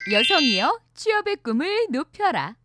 여성이여 취업의 꿈을 높여라.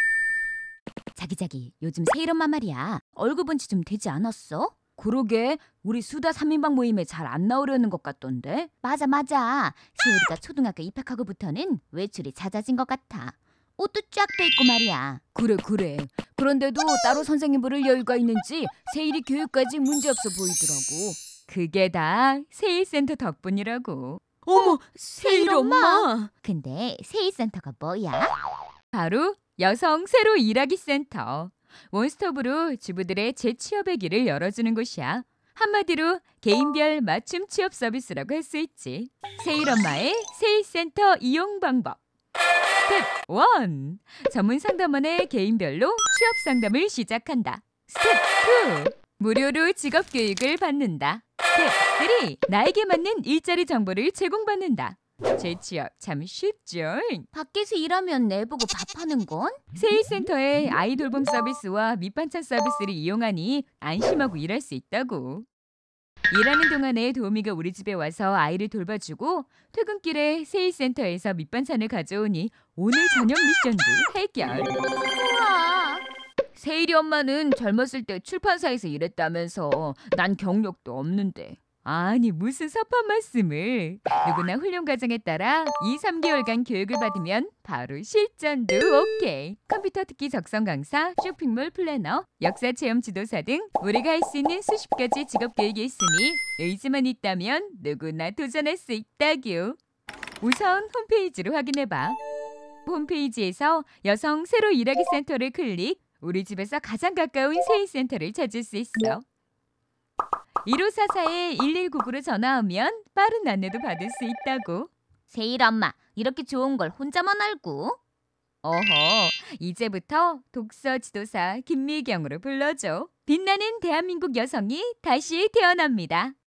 자기 요즘 세일 엄마 말이야. 얼굴 본 지 좀 되지 않았어? 그러게 우리 수다 3인방 모임에 잘 안 나오려는 것 같던데. 맞아. 세일이가 초등학교 입학하고부터는 외출이 잦아진 것 같아. 옷도 쫙 빼입고 말이야. 그래. 그런데도 따로 선생님 부를 여유가 있는지 세일이 교육까지 문제없어 보이더라고. 그게 다 세일센터 덕분이라고. 어머, 세일 엄마. 근데 세일센터가 뭐야? 바로 여성 새로 일하기 센터. 원스톱으로 주부들의 재취업의 길을 열어주는 곳이야. 한마디로 개인별 맞춤 취업 서비스라고 할 수 있지. 세일 엄마의 세일센터 이용 방법. 스텝 1. 전문 상담원의 개인별로 취업 상담을 시작한다. 스텝 2. 무료로 직업 교육을 받는다. 스텝 3. 나에게 맞는 일자리 정보를 제공받는다. 재취업 참 쉽죠? 밖에서 일하면 내보고 밥하는 건? 세일센터의 아이 돌봄 서비스와 밑반찬 서비스를 이용하니 안심하고 일할 수 있다고. 일하는 동안에 도우미가 우리 집에 와서 아이를 돌봐주고 퇴근길에 세일센터에서 밑반찬을 가져오니 오늘 저녁 미션도 해결. 우와. 세일이 엄마는 젊었을 때 출판사에서 일했다면서 난 경력도 없는데. 아니 무슨 섭한 말씀을. 누구나 훈련 과정에 따라 2-3개월간 교육을 받으면 바로 실전도 오케이. 컴퓨터 특기 적성 강사, 쇼핑몰 플래너, 역사 체험 지도사 등 우리가 할 수 있는 수십 가지 직업 교육이 있으니 의지만 있다면 누구나 도전할 수 있다규. 우선 홈페이지로 확인해봐. 홈페이지에서 여성 새로 일하기 센터를 클릭. 우리 집에서 가장 가까운 세일센터를 찾을 수 있어. 1544-1199로 전화하면 빠른 안내도 받을 수 있다고. 세일 엄마, 이렇게 좋은 걸 혼자만 알고? 어허, 이제부터 독서 지도사 김미경으로 불러줘. 빛나는 대한민국 여성이 다시 태어납니다.